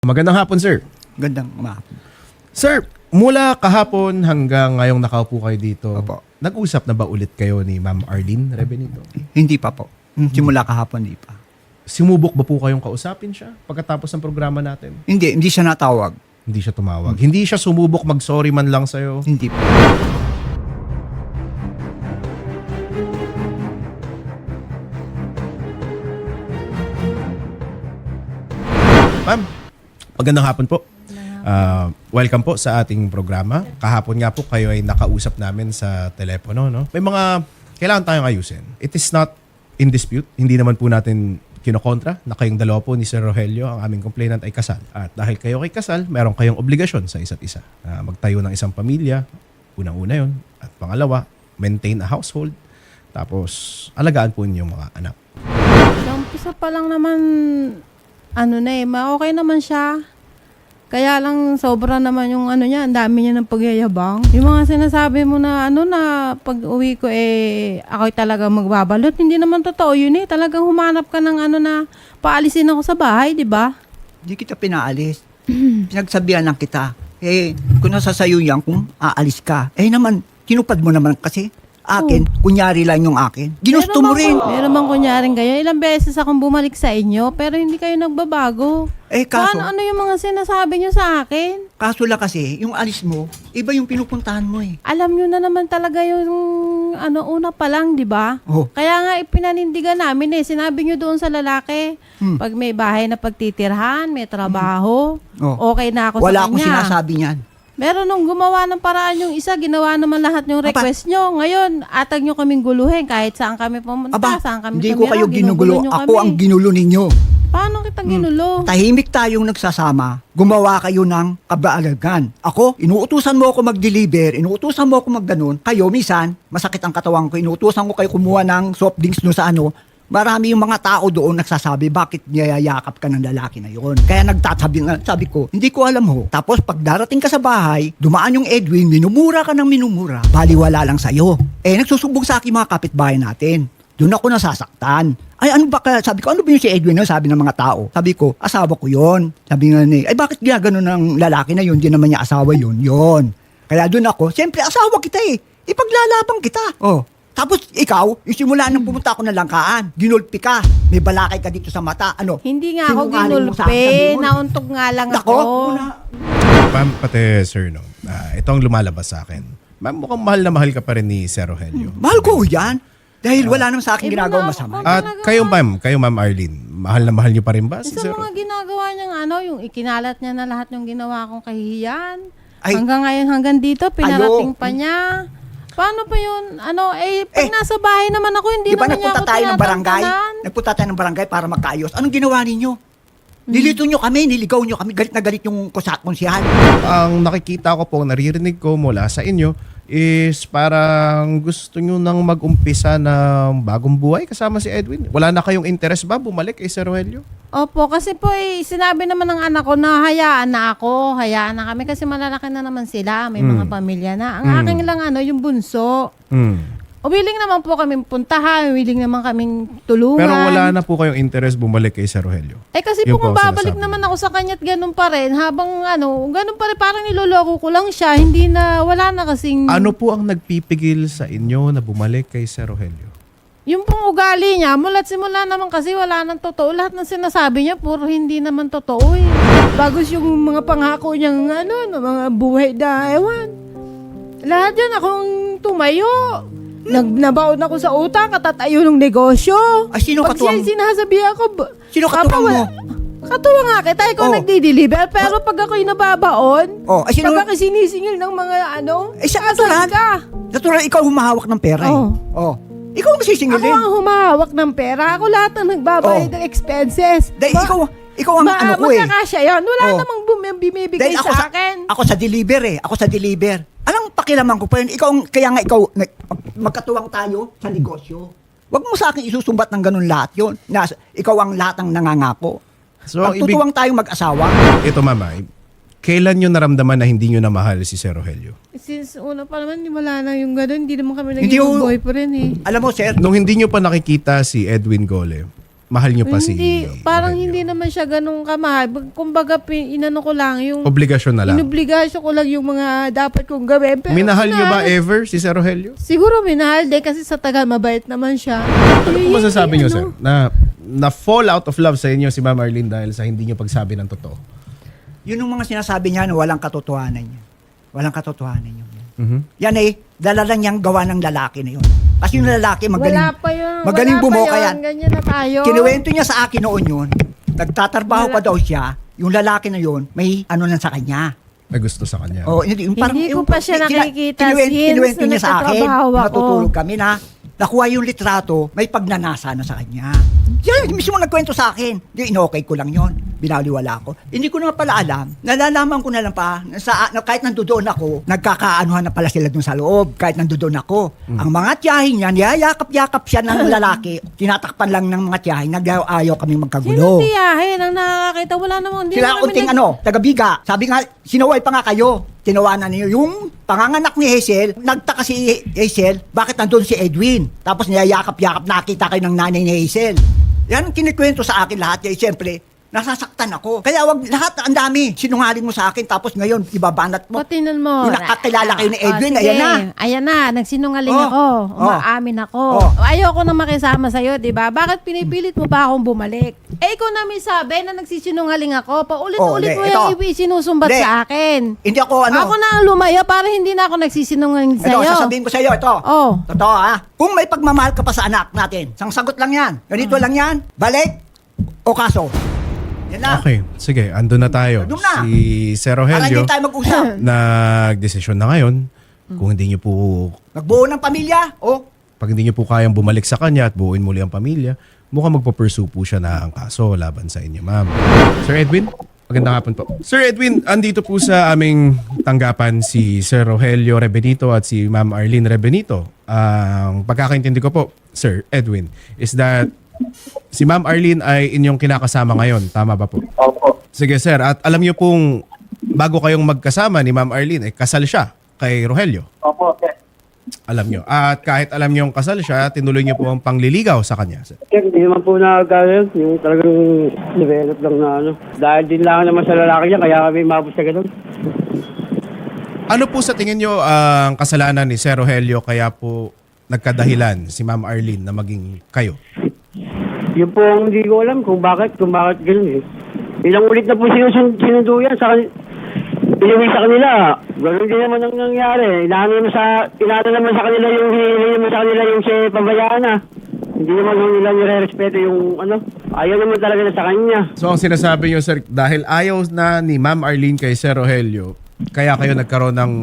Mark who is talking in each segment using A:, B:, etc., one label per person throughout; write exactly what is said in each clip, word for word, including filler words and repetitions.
A: Magandang hapon, sir.
B: Gandang umahapon.
A: Sir, mula kahapon hanggang ngayong nakaupo kayo dito,
B: Opo.
A: nag-usap na ba ulit kayo ni Ma'am Arlene Rebenito?
B: Hindi pa po. Simula kahapon, hindi pa.
A: Sumubok ba po kayong kausapin siya pagkatapos ng programa natin?
B: Hindi, hindi siya natawag.
A: Hindi siya tumawag. Hindi siya sumubok mag-sorry man lang sa'yo?
B: Hindi po.
A: Ma'am, magandang hapon po. Uh, welcome po sa ating programa. Kahapon nga po kayo ay nakausap namin sa telepono. No? May mga kailangan tayong ayusin. It is not in dispute. Hindi naman po natin kinokontra na kayong dalawa po ni Sir Rogelio, ang aming complainant, ay kasal. At dahil kayo ay kasal, meron kayong obligasyon sa isa't isa. Uh, magtayo ng isang pamilya, unang-una yun. At pangalawa, maintain a household. Tapos, alagaan po ninyong mga anak.
C: Sa umpisa pa lang naman, ano na eh, ma- okay naman siya. Kaya lang sobra naman yung ano niya, ang dami niya ng pagyayabang. Yung mga sinasabi mo na ano na pag uwi ko eh ako'y talaga magbabalot, hindi naman totoo yun eh. Talagang humanap ka ng ano na paalisin ako sa bahay, di ba?
B: Hindi kita pinaalis. Pinagsabihan lang kita. Eh, kung nasa sayo yan, kung aalis ka. Eh naman, tinupad mo naman kasi. Akin, kunyari lang yung akin. Ginusto mo rin.
C: Meron bang kunyaring kayo? Ilang beses akong bumalik sa inyo, pero hindi kayo nagbabago.
B: Eh, kaso,
C: Paano, ano yung mga sinasabi niyo sa akin?
B: kaso lang kasi, yung alis mo, iba yung pinupuntahan mo eh.
C: Alam niyo na naman talaga yung ano una pa lang, di ba?
B: Oh.
C: Kaya nga ipinanindigan namin eh. Sinabi niyo doon sa lalaki,
B: Hmm.
C: pag may bahay na pagtitirhan, may trabaho,
B: Oh.
C: okay na ako
B: Wala
C: sa
B: akong
C: kanya.
B: sinasabi niyan.
C: Meron nung gumawa ng paraan yung isa, ginawa naman lahat yung request nyo. Ngayon, atag nyo kaming guluhin kahit saan kami pumunta,
B: Aba,
C: saan kami
B: hindi ko
C: tumira,
B: kayo ginugulo.
C: ginugulo nyo
B: Ako
C: kami.
B: ang ginulo ninyo.
C: Paano kita ginulo?
B: Tahimik tayong nagsasama, gumawa kayo ng kabaalagan. Ako, inuutusan mo ako mag-deliver, inuutusan mo ako mag-ganon. Kayo, misan, masakit ang katawan ko, inuutusan ko kayo kumuha ng soft drinks no sa ano. Marami yung mga tao doon nagsasabi, bakit niyayakap ka ng lalaki na yon? Kaya nagtatabi nga, sabi ko, hindi ko alam ho. Tapos pag darating ka sa bahay, dumaan yung Edwin, minumura ka ng minumura, baliwala lang sa'yo. Eh, nagsusubog sa akin mga kapitbahay natin. Doon ako nasasaktan. Ay, ano ba ka? Sabi ko, ano ba yung si Edwin? No? Sabi ng mga tao. Sabi ko, asawa ko yon. Sabi nga ni, ay bakit ginagano ng lalaki na yun? Di naman niya asawa yun. Yon. Kaya doon ako, siyempre asawa kita eh. Ipaglalabang kita. Oh. Tapos ikaw, yung simula nang pumunta ako ng Langkaan, ginulpi ka. May balakay ka dito sa mata. Ano?
C: Hindi nga ako
B: Sinungaling mo sa akin, sabi
C: ginulpi,
B: mo.
C: nauntog nga lang
B: Nako,
C: ako.
B: una-
A: Ma'am, pati sir, no? Ah, ito ang lumalabas sa akin. Ma'am, mukhang mahal na mahal ka pa rin ni Sir Rogelio.
B: Mahal ko yan. Dahil wala naman sa akin
C: Iba
B: ginagawa
C: na-
B: masama.
C: Talaga.
A: At kayo, ma'am, kayo, Ma'am Arlene, mahal na mahal niyo pa rin ba si
C: Sa
A: Sir?
C: mga ginagawa niyang ano, yung ikinalat niya na lahat yung ginawa kong kahihiyan.
B: Ay.
C: Hanggang ngayon, hanggang dito, pinarating
B: Ayo.
C: pa niya. Paano pa yun? Ano, eh, pag
B: Eh,
C: nasa bahay naman ako, hindi
B: Di ba
C: naman niya
B: nagpunta
C: ako
B: tayo ng barangay?
C: tinatantanan.
B: Nagpunta tayo ng barangay para magkaayos. Anong ginawa ninyo? Nilito nyo kami, niligaw nyo kami, galit na galit yung kusa- konsyahal.
A: Ang nakikita ko po, naririnig ko mula sa inyo is parang gusto nyo nang mag-umpisa ng bagong buhay kasama si Edwin. Wala na kayong interest ba bumalik kay Sir Rogelio?
C: Opo, kasi po eh, sinabi naman ng anak ko na hayaan na ako, hayaan na kami kasi malalaki na naman sila, may
A: Mm.
C: mga pamilya na. Ang
A: Mm.
C: aking lang ano, yung bunso.
A: Hmm.
C: Willing naman po kaming puntahan, willing naman kaming tulungan.
A: Pero wala na po kayong interest bumalik kay Sir Rogelio.
C: Eh kasi
A: Yun
C: po kung
A: po ang
C: babalik
A: sinasabi.
C: naman ako sa kanya't ganun pa rin, habang ano, ganun pa rin, parang niloloko ko lang siya, hindi na, wala na kasing...
A: Ano po ang nagpipigil sa inyo na bumalik kay Sir Rogelio?
C: Yung pong ugali niya, mula't simula naman kasi wala nang totoo. Lahat ng sinasabi niya, puro hindi naman totoo eh. Bagos yung mga pangako niyang ano, na mga buhay na, ewan. Lahat yan akong tumayo. Nag, nabaon ako sa utang, katatayo ng negosyo.
B: Ay, sino
C: Pag
B: katuwang-
C: siya sinasabi ako, ba-
B: Sino
C: Papa,
B: katuwang mo?
C: wala- Katuwa nga kita, ikaw
B: Oh.
C: nagdi-deliver, pero pag ako'y nababaon,
B: Oh, ay, sino-
C: pag ako'y sinisingil ng mga ano,
B: Eh, sa
C: asan
B: natural.
C: ka?
B: Natural, ikaw humahawak ng pera eh.
C: Oh.
B: Oh. Ikaw ang
C: Ako
B: sisingilin.
C: ang humahawak ng pera. Ako lahat ang nagbabayad
B: Oh.
C: ng expenses.
B: Dahil
C: Ba-
B: ikaw, ikaw ang
C: ba,
B: ano ko eh.
C: magkakasya yan. Wala
B: Oh.
C: namang bum- bumibigay
B: Dahil ako
C: sa akin.
B: Ako sa deliver eh. Ako sa deliver. Anong pakilaman ko pa yun? Ikaw, ang- kaya nga ikaw, nag- magkatuwang tayo sa negosyo. Huwag mo sa akin isusumbat ng ganun lahat yun. Na, ikaw ang lahat ng nangangako.
A: So,
B: Pag
A: ibig-
B: tutuwang tayong mag-asawa,
A: Ito, mama, kailan nyo naramdaman na hindi nyo na mahal si Sir Rogelio?
C: Since una pa naman, wala na yung gano'n. Hindi naman kami
B: Hindi
C: naging
B: ho-
C: boyfriend eh.
B: alam mo sir,
A: Nung hindi nyo pa nakikita si Edwin Gole, mahal nyo pa si
C: Hindi, parang
A: Rogelio?
C: hindi naman siya ganun kamahal. Kumbaga, pin- inano ko lang, yung
A: Obligasyon na lang.
C: inobligasyon ko lang yung mga dapat kong gawin. Pero
A: Minahal nyo ba
C: na-
A: ever si Sir Rogelio?
C: Siguro minahal din kasi sa tagal mabait naman siya.
A: Ano po masasabi nyo,
C: ano,
A: sir? Na, na fall out of love sa inyo si Ma'am Arlene dahil sa hindi nyo pagsabi ng totoo?
B: Yun yung mga sinasabi niya na walang katotohanan niya. Walang katotohanan yun.
A: Mhm.
B: Yan eh, dala lang niyang gawa ng lalaki na yun. Kasi yung lalaki magaling,
C: Wala pa yun.
B: magaling
C: wala pa
B: bumoka
C: yun.
B: yan.
C: Ganyan na tayo.
B: Kinuwento niya sa akin noon yun. Nagtatrabaho
C: Wala.
B: pa daw siya. Yung lalaki na yun, may ano lang sa kanya.
A: May gusto sa kanya.
B: Oh, hindi, yung parang,
C: Hindi ko
B: yung-
C: pa siya
B: kina-
C: nakikita
B: kinuwento-
C: since
B: kinuwento niya sa akin.
C: nagtatrabaho ako.
B: Natutulog kami na nakuha yung litrato, may pagnanasa na sa kanya. Yan, mismo nagkwento sa akin. Di, inokay ko lang yon. Binaliwala ko. Hindi ko naman pala alam. Nalalaman ko na lang pa, na, sa, na kahit nandoon ako, nagkakaanuhan na pala sila dun sa loob, kahit nandoon ako. Ang mga tiyahin niya, niyayakap-yakap siya ng lalaki, tinatakpan lang ng mga tiyahin, nag-ayaw kami
C: Sino
B: magkagulo.
C: tiyahin ang nakakita? Wala namang, hindi
B: Sila
C: naman
B: unting
C: nag-
B: ano, taga-biga. Sabi nga, sinaway pa nga kayo. Tinawanan niyo yung panganganak ni Hazel. Nagtaka si Hazel, bakit nandun si Edwin? Tapos niyayakap-yakap, nakita kayo ng nanay ni Hazel. Yan ang kinikwento sa akin lahat. Kaya siyempre, nasasaktan ako. Kaya wag lahat, ang dami. Sinungaling mo sa akin, tapos ngayon, ibabanat mo.
C: Patinan mo.
B: Yung nakakilala kayo ni Edwin,
C: Oh, sige.
B: ayan na.
C: Ayan na, nagsinungaling
B: Oh,
C: ako.
B: oh.
C: Umaamin ako.
B: Oh.
C: Ayoko na makisama sa'yo, di ba? Bakit pinipilit mo pa akong bumalik? Eh, ikaw na may sabi na nagsisinungaling ako. Paulit-ulit
B: Oh,
C: mo
B: hindi.
C: yung
B: Ito.
C: sinusumbat
B: Hindi.
C: sa akin.
B: Hindi ako ano.
C: Ako na ang lumayo para hindi na ako nagsisinungaling
B: Ito,
C: sa'yo.
B: sasabihin ko sa iyo, ito.
C: Oh.
B: Totoo ha. Kung may pagmamahal ka pa sa anak natin, isang sagot lang yan. Ganito lang yan. Balik o kaso. Yan na.
A: Okay, sige, andun na tayo.
B: Andun na.
A: Si Sir
B: Para
A: Rogelio,
B: hindi tayo mag-usap.
A: nagdesisyon na ngayon. Kung hindi nyo po,
B: Nagbuo ng pamilya. Oh,
A: pag hindi nyo po kayang bumalik sa kanya at buuin muli ang pamilya, mukhang magpo-pursue po siya na ang kaso laban sa inyo, ma'am. Sir Edwin, magandang hapon po. Sir Edwin, andito po sa aming tanggapan si Sir Rogelio Rebenito at si Ma'am Arlene Rebenito. Ang pagkakaintindi ko po, Sir Edwin, is that si Ma'am Arlene ay inyong kinakasama ngayon. Tama ba po?
D: Opo.
A: Sige sir, at alam niyo pong bago kayong magkasama ni Ma'am Arlene, eh, kasal siya kay Rogelio.
D: Opo, sir.
A: Alam niyo. At kahit alam niyo kasal siya, tinuloy niyo po ang pangliligaw sa kanya. Sir.
D: Sir, hindi naman po nagkakaroon. Yung talagang develop lang na ano. Dahil din lang naman sa lalaki niya, kaya kami mabos sa ganun.
A: Ano po sa tingin niyo ang kasalanan ni Sir Rogelio kaya po nagkadahilan si Ma'am Arlene na maging kayo?
D: Yun po ang hindi ko alam kung bakit, kung bakit ganun eh. Ilang ulit na po sinusund, sinundo yan sa kan- inuwi sa kanila. Ganun din naman ang nangyari. Inaano naman sa, inaano naman sa kanila yung hinihingi naman sa kanila yung si pabayaan na. Hindi naman nila nire-respeto yung ano. Ayaw naman talaga na sa kanya.
A: So ang sinasabi niyo sir, dahil ayaw na ni Ma'am Arlene kay Sir Rogelio, kaya kayo nagkaroon ng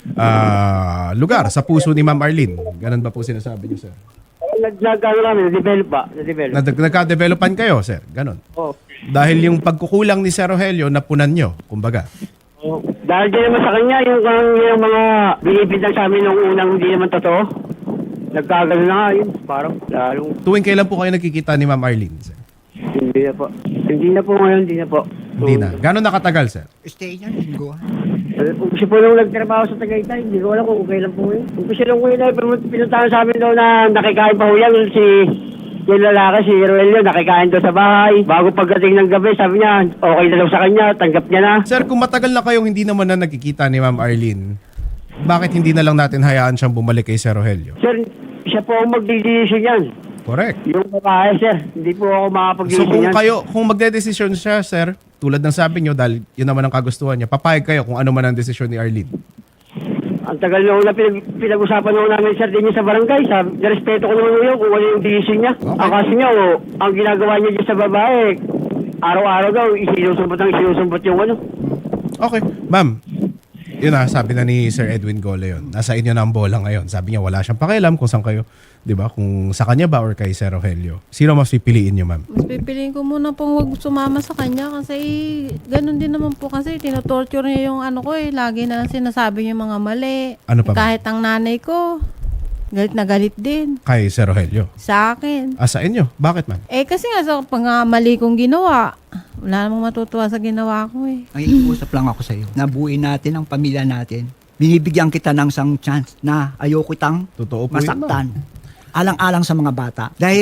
A: ah, lugar sa puso ni Ma'am Arlene. Ganun ba po sinasabi niyo sir?
D: Nag-ano kami, na-develop ba? Na-develop.
A: Na nagka-developan kayo sir, ganun.
D: Oh.
A: Dahil yung pagkukulang ni Sir Rogelio, napunan nyo, kumbaga.
D: Oh, dahil din naman sa kanya, yung, yung, yung mga binibintang sa amin nung unang hindi naman totoo, nagkagano na nga yun. Parang lalong
A: Tuwing kailan po kayo nakikita ni Ma'am Arlene, sir?
D: hindi na po. Hindi na po ngayon, hindi na po.
A: Hindi na. Gano'n nakatagal, sir?
B: stay niya, linggo.
D: Umpisa po nung nagtrabaho sa Tagaytay, hindi ko alam kung kailan po yun. Umpisa nung kuya na, pinuntahan sa amin daw na nakikain pa ho yan, si yung lalaki, si Rogelio, nakikain daw sa bahay. Bago pagdating ng gabi, sabi niya, okay na daw sa kanya, tanggap niya na.
A: Sir, kung matagal na kayong hindi naman na nagkikita ni Ma'am Arlene, bakit hindi na lang natin hayaan siyang bumalik kay Sir Rogelio?
D: Sir, siya po ang magdidesisyon yan.
A: Correct.
D: Yung babae, sir, hindi po ako
A: So
D: makapag-desisyon
A: kung
D: yan.
A: kayo, kung magde-desisyon siya, sir, tulad ng sabi niyo, dahil yun naman ang kagustuhan niya, papayag kayo kung ano man ang desisyon ni Arlene.
D: Ang tagal na una pinag- pinag-usapan na namin, sir, din niya sa barangay. Sabi, respeto ko naman yun kung ano yung decision niya.
A: Okay.
D: Ang kasi niya, oh, ang ginagawa niya dyan sa babae, araw-araw daw, isinusumbot ang isinusumbot yung ano.
A: Okay. Ma'am, yun na, sabi na ni Sir Edwin Gole yun. Nasa inyo na ang bola ngayon. Sabi niya, wala siyang pakialam kung saan kayo, di ba? Kung sa kanya ba or kay Sir Rogelio. Sino mas pipiliin niyo, ma'am?
C: Mas pipiliin ko muna pong wag sumama sa kanya kasi ganun din naman po kasi tinotorture niya yung ano ko eh. Lagi na sinasabi niya yung mga mali.
A: Ano pa ba?
C: Kahit ang nanay ko, galit na galit din
A: Kay Sir Rogelio.
C: sa akin.
A: Ah, sa inyo? Bakit, ma'am?
C: Eh kasi nga sa mga mali kong ginawa, wala namang matutuwa sa ginawa ko eh.
B: Ang iusap lang ako sa iyo. Nabuin natin ang pamilya natin. Binibigyan kita ng isang chance na ayoko kitang
A: Totoo po yun,
B: masaktan. Alang-alang sa mga bata. Dahil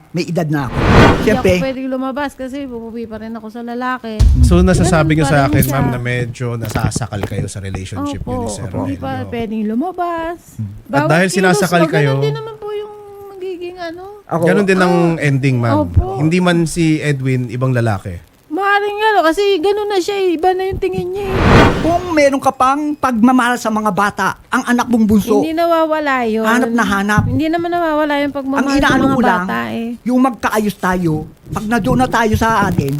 B: may edad na ako.
C: Hindi
B: Siyempre,
C: ako pwedeng lumabas kasi pupupi pa rin ako sa lalaki.
A: So nasasabi
C: Ganun
A: niyo
C: pa
A: sa
C: rin
A: akin,
C: siya.
A: ma'am, na medyo nasasakal kayo sa relationship niyo ni
C: Opo,
A: Sir
C: hindi pa
A: Rogelio.
C: pwedeng lumabas.
A: At dahil sinasakal
C: kilos mo,
A: kayo-
C: ganun din naman po yung magiging ano.
B: ako,
A: Ganon din ang ending, ma'am.
C: Opo.
A: Hindi man si Edwin ibang lalaki.
C: Maaaring ano, kasi ganun na siya eh. Iba na yung tingin niya eh.
B: kung meron ka pang pagmamahal sa mga bata, ang anak mong bunso,
C: Hindi nawawala yun.
B: hanap na hanap.
C: Hindi naman nawawala yung
B: Ang
C: pagmamahal sa
B: inaano
C: mga
B: ko lang,
C: bata eh.
B: yung magkaayos tayo, pag nadoon na tayo sa atin,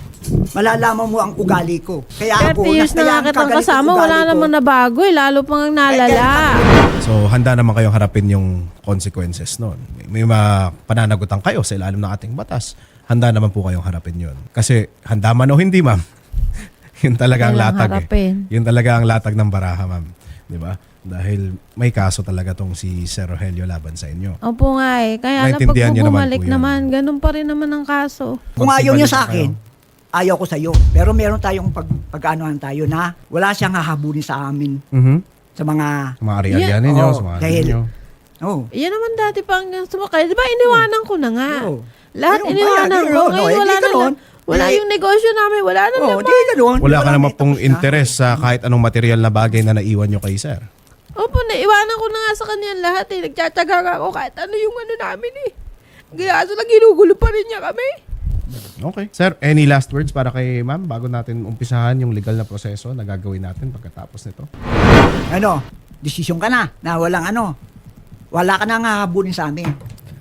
B: malalaman mo ang ugali ko. Kaya ako,
C: thirty years na
B: kaya
C: nga
B: ang
C: kitang
B: kagalit
C: kasama,
B: ng ugali
C: wala
B: ko.
C: naman na bago eh. Lalo pang ang nalala.
A: So handa naman kayong harapin yung consequences noon. May, may mga pananagutan kayo sa ilalim ng ating batas. Handa naman po kayong harapin yun. Kasi handa man o hindi, ma'am. yun talaga ang
C: Kailangan
A: latag
C: harapin.
A: eh. Yun talaga ang latag ng baraha, ma'am. Di ba? Dahil may kaso talaga tong si Sir Rogelio laban sa inyo.
C: Opo nga eh. Kaya na pag
A: Naintindihan niyo naman
C: bumalik
A: po yun.
C: naman, ganun pa rin naman ang kaso.
B: Kung ayaw niya
A: Magsibalik
B: sa
A: na
B: akin,
A: kayo.
B: ayaw ko sa iyo. Pero meron tayong pag, pag-anohan tayo na wala siyang hahabulin sa amin
A: Mhm.
B: sa mga...
A: Sa mga ari-arian ninyo,
B: Oo,
A: sa mga ano
B: dahil-
A: ninyo.
B: Oh,
C: Yan naman dati pa hanggang sumakay. Di ba iniwanan ko na nga?
B: Oo.
C: Lahat
B: Ayun,
C: iniwanan
B: kaya,
C: ko.
B: ayun,
C: Ngayon
B: no, eh,
C: wala
B: di
C: na.
B: ganun.
C: Wala
B: Eh,
C: yung negosyo namin. Wala na
B: oh,
C: naman.
B: di ganun.
A: Wala ka naman
B: may
A: pong
B: tapos na.
A: interes sa kahit anong material na bagay na naiwan nyo kay Sir.
C: Opo, naiwanan ko na nga sa kanya lahat eh. Nagtsatsaga nga ako kahit ano yung ano namin eh. Kaso lang ginugulo pa rin niya kami.
A: Okay. Sir, any last words para kay ma'am bago natin umpisahan yung legal na proseso na gagawin natin pagkatapos nito?
B: Ano, desisyon ka na na walang ano. Wala ka nang hahabulin sa amin.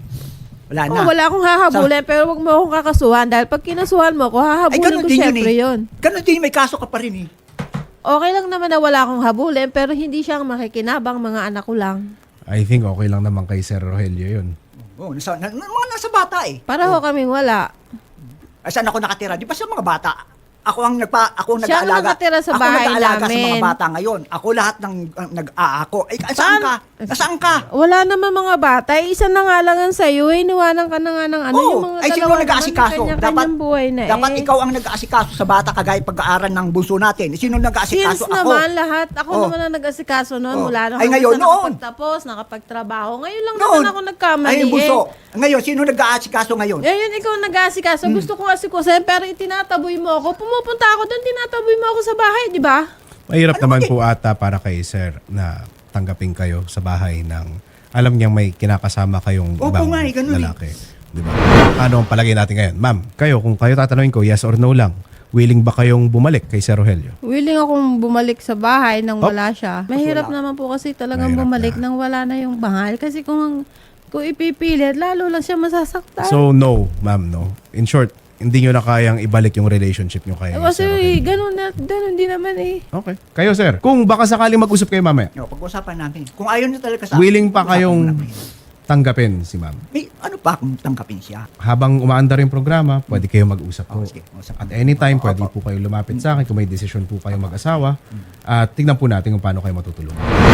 B: Wala na.
C: Oh, wala akong hahabulin pero wag mo akong kakasuhan dahil pag kinasuhan mo ako, hahabulin
B: ganun
C: ko
B: din yun
C: syempre
B: eh.
C: yun.
B: Ganun din, may kaso ka pa rin eh.
C: Okay lang naman na wala akong habulin pero hindi siyang makikinabang, mga anak ko lang.
A: I think okay lang naman kay Sir Rogelio yun.
B: Oh, nasa, na, mga nasa bata eh.
C: Para ho kaming wala.
B: Ay, saan ako nakatira? Di ba sa mga bata? Ako ang nagpa ako ang
C: Siya ang
B: nag-aalaga.
C: nakatira sa
B: ako
C: bahay
B: nag-aalaga sa mga
C: namin.
B: bata ngayon. Ako lahat ng uh, nag-aako. Ay, saan ka? Nasaan ka?
C: Wala naman mga bata. Eh, isa na nga lang ang sa'yo. Eh, iniwanan ka na nga ng ano.
B: Oo.
C: Yung mga
B: Ay, sino
C: dalawa naman,
B: nag-aasikaso?
C: kanya-kanyang buhay na
B: dapat
C: eh.
B: ikaw ang nag-aasikaso sa bata kagaya pag-aaral ng bunso natin. Sino nag-aasikaso?
C: Since
B: Ako.
C: naman lahat, ako
B: Oh.
C: naman ang nag-asikaso noon.
B: Oh.
C: Mula nung
B: Ay,
C: hanggang
B: ngayon,
C: sa
B: noon.
C: nakapagtapos, nakapagtrabaho. Ngayon lang
B: Noon.
C: naman ako nagkamali
B: Ay, yung bunso.
C: eh.
B: Ngayon, sino nag-aasikaso ngayon?
C: Eh, yun, ikaw ang nag-aasikaso.
B: Hmm.
C: Gusto ko asikusin, pero itinataboy mo ako. Pumupunta ako doon, tinataboy mo ako sa bahay, di ba?
A: Mahirap
B: Ano
A: naman
B: ba-
A: po ata para kay Sir na tanggapin kayo sa bahay ng alam niyang may kinakasama kayong
B: Opo
A: ibang
B: nga eh, ganun eh.
A: lalaki. Di ba? Ano ang palagay natin ngayon? Ma'am, kayo, kung kayo tatanungin ko, yes or no lang, willing ba kayong bumalik kay Sir Rogelio?
C: Willing akong bumalik sa bahay nang
A: Oh.
C: wala siya. Mahirap
B: wala.
C: naman po kasi talagang
A: Mahirap
C: bumalik
A: na.
C: nang wala na yung mahal. Kasi kung, kung ipipilit, lalo lang siya masasaktan.
A: So, no, ma'am, no. In short, hindi nyo na kayang ibalik yung relationship nyo kay
C: Eh, kasi
A: Sir Rogelio.
C: ganun, na, ganun din naman eh.
A: Okay. Kayo, sir, kung baka sakaling mag-usap kayo mamaya,
B: Yo, pag-usapan natin. Kung ayaw niyo talaga sa
A: willing pa
B: pag-usapan
A: kayong
B: mo na kayo.
A: tanggapin si ma'am.
B: May ano pa kung tanggapin siya?
A: Habang umaandar yung programa, pwede kayo mag-usap po.
B: Oh, sige. Usap.
A: At anytime, pwede po kayo lumapit sa akin kung may desisyon po kayong mag-asawa. At tignan po natin kung paano kayo matutulungan.